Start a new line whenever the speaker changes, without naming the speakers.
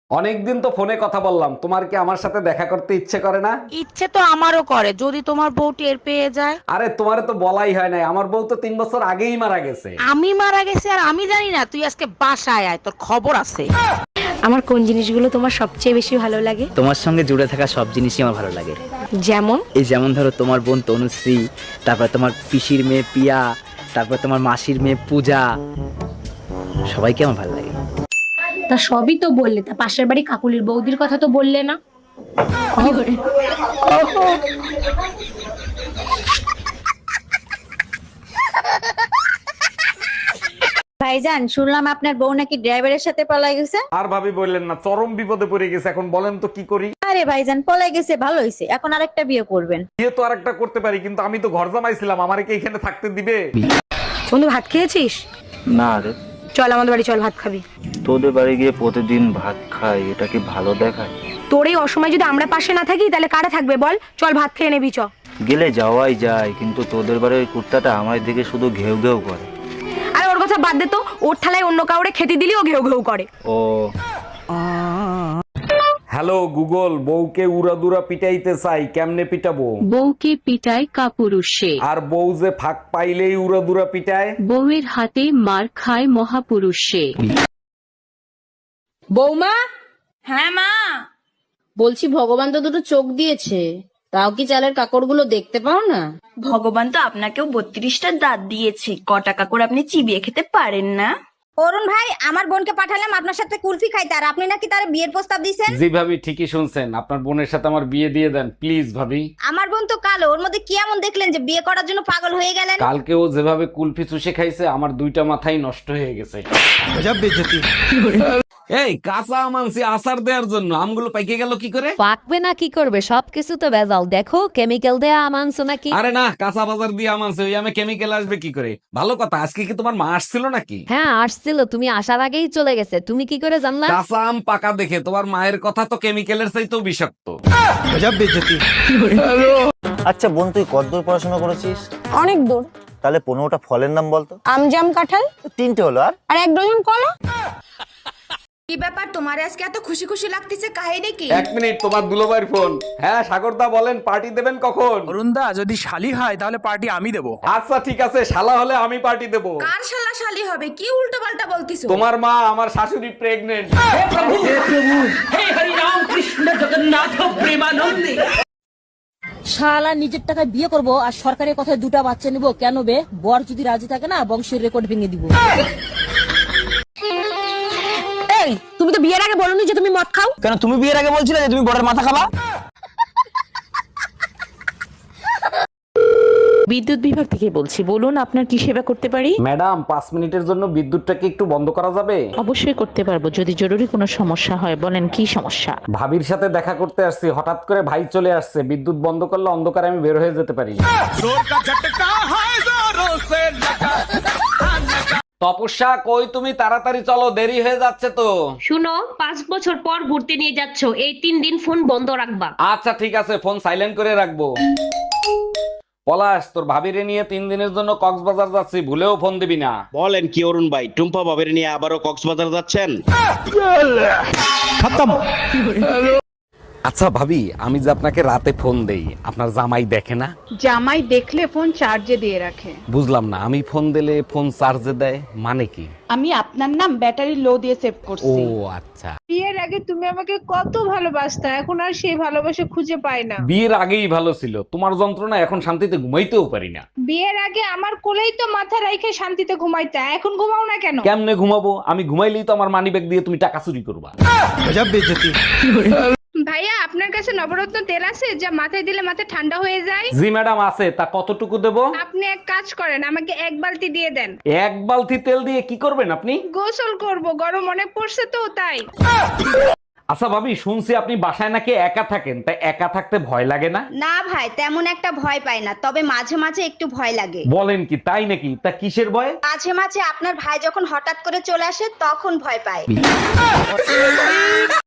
অনেকদিন তো ফোনে কথা বললাম, তোমার কি আমার সাথে দেখা করতে ইচ্ছে করে না?
ইচ্ছে তো আমারও করে, যদি তোমার বউ টের পেয়ে যায়।
আরে তোমারে তো বলাই হয় নাই, আমার বউ তো 3 বছর আগেই মারা গেছে।
আমি মারা গেছি আর আমি জানি না? তুই আজকে বাসায় আয়, তোর খবর আছে।
আমার কোন জিনিসগুলো তোমার সবচেয়ে বেশি ভালো লাগে?
তোমার সঙ্গে জুড়ে থাকা সব জিনিসই আমার ভালো লাগে।
যেমন?
এই যেমন ধরো তোমার বোন তনুশ্রী, তারপর তোমার পিসির মেয়ে পিয়া, তারপর তোমার মাসির মেয়ে পূজা, সবাইকে আমার ভালো লাগে।
তা সবই তো বললে, তা পাশের বাড়ি কাকুলির বৌদির কথা তো বললে না।
ভাইজান, শুনলাম আপনার বউ নাকি ড্রাইভারের সাথে পলাই গেছে।
আর ভাবি বললেন না, চরম বিপদে পড়ে গেছে। এখন বলেন তো কি করি?
আরে ভাইজান, পলাই গেছে ভালো হয়েছে, এখন আরেকটা বিয়ে করবেন।
বিয়ে তো আরেকটা করতে পারি, কিন্তু আমি তো ঘর জামাইছিলাম, আমারে কি এখানে থাকতে দিবে?
বন্ধু, ভাত খেয়েছিস?
না রে,
চল আমাদের বাড়ি, চল ভাত খাবি।
তোদের বাড়ি গিয়ে প্রতিদিন ভাত খাই, এটা কি ভালো দেখায়?
তোর এই অসময় যদি আমরা পাশে না থাকি তাহলে কারা থাকবে বল? চল ভাত খেয়ে নেবি, চ।
গেলে যাওয়াই যায়, কিন্তু তোদের বাড়ির ওই কুত্তাটা আমার দিকে শুধু ঘেউ ঘেউ করে।
আরে ওর কথা বাদ দে তো, ওর থালায় অন্য কাউরে খেতে দিলেও ঘেউ ঘেউ করে।
ও
হ্যালো গুগল, বউকে উড়াদুরা পিটাইতে চাই, কেমনে পিটাবো?
বউকে পিটায় কাপুরুষে,
আর বউ যে ফাঁক পাইলেই উড়াদুরা পিটায়।
বউয়ের হাতে মার খায় মহাপুরুষে।
বৌমা। হ্যাঁ মা। বলছি, ভগবান তো দুটো চোখ দিয়েছে, তাও কি চালের কাকড়গুলো দেখতে পাও না?
ভগবান তো আপনাকেও 32টা দাঁত দিয়েছে, কটা কাকড় আপনি চিবিয়ে খেতে পারেন না?
অরুণ ভাই, আমার বোনকে পাঠালাম আপনার সাথে কুলফি খাইতে, আর আপনি নাকি তার বিয়ের প্রস্তাব দিয়েছেন।
জি ভাবি, ঠিকই শুনছেন, আপনার বোনের সাথে আমার বিয়ে দিয়ে দেন প্লিজ ভাবি।
আমার বোন তো কালো, ওর মধ্যে কি এমন দেখলেন যে বিয়ে করার জন্য পাগল হয়ে গেলেন?
কালকে ও যেভাবে কুলফি চুষে খাইছে, আমার 2টা মাথাই নষ্ট হয়ে গেছে। এই কাঁচা আম আনছি আচার দেওয়ার জন্য, আমগুলো পাইকে গেল কি করে?
পাকবে না কি করবে, সবকিছু তো ভেজাল। দেখো কেমিক্যাল দেয়া আম আনছো নাকি?
আরে না, কাঁচা বাজার দিয়ে আম আনছে, ওই আমে কেমিক্যাল আসবে কি করে? ভালো কথা, আজকে কি তোমার মা আসছিল নাকি?
হ্যাঁ আসছিল, তুমি আসার আগেই চলে গেছে। তুমি কি করে জানলা?
কাঁচা আম পাকা দেখে তোমার মায়ের কথা তো কেমিক্যালের চাইতেও বিষাক্ত।
আচ্ছা বোন, তুই কতদূর পড়াশোনা করেছিস?
অনেক দূর।
তাহলে 15টা ফলের নাম বলতো।
আম, জাম, কাঁঠাল।
3টে হলো, আর
1 ডজন কলা।
কি ব্যাপার, তোমার আজকে এত খুশি খুশি লাগতেছে, কাহিনী কি?
1 মিনিট, তোমার দুলোবাইর ফোন। হ্যাঁ সাগরদা বলেন, পার্টি দেবেন কখন?
অরুণদা, যদি শালি হয় তাহলে পার্টি আমি দেবো।
আচ্ছা ঠিক আছে, শালা হলে আমি পার্টি দেবো।
কার শালা শালি হবে? কি উল্টো পাল্টা বলতিছো?
তোমার মা, আমার শাশুড়ি প্রেগনেন্ট।
শালা নিজের টাকায় বিয়ে করব আর সরকারের কথায় 2টা বাচ্চা নিব, কেন বে? বর যদি রাজি থাকে না, বংশের রেকর্ড ভেঙে দিব।
এই, তুমি তো বিয়ের আগে বলোনি যে তুমি মদ খাও।
কেন তুমি বিয়ের আগে বলছিলে যে তুমি বড়ের মাথা খাবা?
বিদ্যুৎ বিভাগ থেকে বলছি, বলুন আপনার কি সেবা করতে পারি?
ম্যাডাম, 5 মিনিটের জন্য বিদ্যুৎটাকে একটু বন্ধ করা যাবে?
অবশ্যই করতে পারবো, যদি জরুরি কোনো সমস্যা হয়। বলেন কি সমস্যা?
ভাবির সাথে দেখা করতে আসছি, হঠাৎ করে ভাই চলে আসছে, বিদ্যুৎ বন্ধ করলে অন্ধকারে আমি বের হয়ে যেতে পারি। তপস্যা, কই তুমি? তাড়াতাড়ি চলো, দেরি হয়ে যাচ্ছে তো।
শুনো, 5 বছর পর ঘুরতে নিয়ে যাচ্ছ, এই 3 দিন ফোন বন্ধ রাখবা।
আচ্ছা ঠিক আছে, ফোন সাইলেন্ট করে রাখবো। পলাশ, তোর ভাবিরে নিয়ে 3 দিনের জন্য কক্সবাজার যাচ্ছি, ভুলেও ফোন দিবি না।
বলেন কি অরুণ ভাই, টুম্পা বাবের নিয়ে আবারও কক্সবাজার যাচ্ছেন?
আচ্ছা ভাবি, আমি যে আপনাকে রাতে ফোন দেই, আপনার জামাই দেখে না?
জামাই দেখলে ফোন চার্জে দিয়ে রাখে।
বুঝলাম না, আমি ফোন দিলে ফোন চার্জে দেয় মানে কি?
আমি আপনার নাম ব্যাটারি লো দিয়ে সেভ
ও
করছি।
আচ্ছা।
বিয়ের আগে তুমি আমাকে কত ভালোবাসতা, এখন আর সেই ভালোবাসা খুঁজে পাই না।
বিয়ের আগেই ভালো ছিল, তোমার যন্ত্রণা এখন শান্তিতে ঘুমাইতেও পারি না।
বিয়ের আগে আমার কোলেই তো মাথা রাইখে শান্তিতে ঘুমাইতা, এখন ঘুমাও না কেন?
কেমনে ঘুমাবো? আমি ঘুমাইলেই তো আমার মানিব্যাগ দিয়ে তুমি টাকা চুরি করবা।
ভাইয়া, আপনার কাছে নবরত্ন তেল আছে যা মাথায় দিলে মাথা ঠান্ডা হয়ে যায়?
জি ম্যাডাম আছে, তা কতটুকু দেবো?
আপনি এক কাজ করেন, আমাকে 1 বালতি দিয়ে দেন।
1 বালতি তেল দিয়ে কি করবেন আপনি?
গোসল করব, গরম অনেক পড়ছে তো তাই।
আচ্ছা ভাবি, শুনছি আপনি বাসায় নাকি একা থাকেন, তাই একা থাকতে ভয় লাগে না?
না ভাই, তেমন একটা ভয় পাই না, তবে মাঝে মাঝে একটু ভয় লাগে।
বলেন কি, তাই নাকি? তা কিসের ভয়?
মাঝে মাঝে আপনার ভাই যখন হঠাৎ করে চলে আসে তখন ভয় পায়।